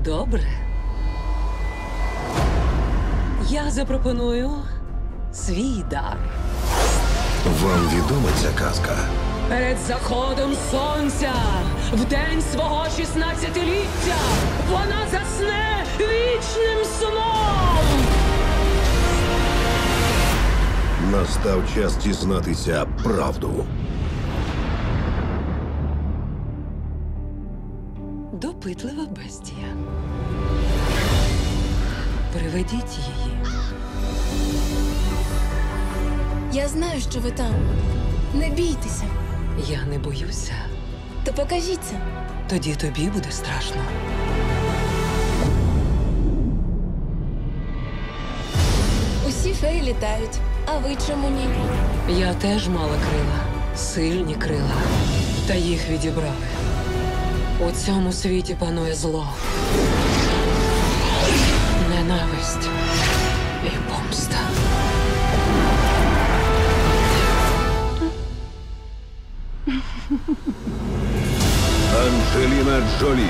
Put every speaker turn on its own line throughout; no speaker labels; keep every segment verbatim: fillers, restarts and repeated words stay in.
Добре. Я запропоную свій дар.
Вам відома ця казка?
Перед заходом сонця, в день свого шістнадцятиліття, вона засне вічним сном.
Настав час дізнатися правду.
Допитлива бестія. Приведіть її.
Я знаю, що ви там. Не бійтеся.
Я не боюся.
То покажіться.
Тоді тобі буде страшно.
Усі феї літають. А ви чому ні?
Я теж мала крила. Сильні крила. Та їх відібрали. У цьому світі панує зло. Ненависть і помста.
Анджеліна Джолі.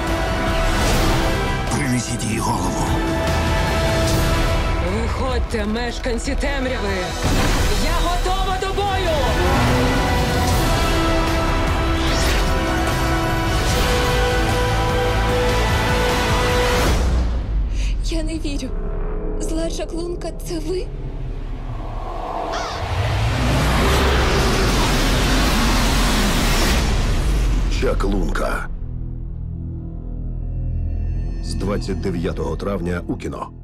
Принесіть їй голову.
Виходьте, мешканці темряви! Я готова до бою!
Я не вірю. Зла чаклунка – це ви?
Чаклунка. З двадцять дев'ятого травня у кіно.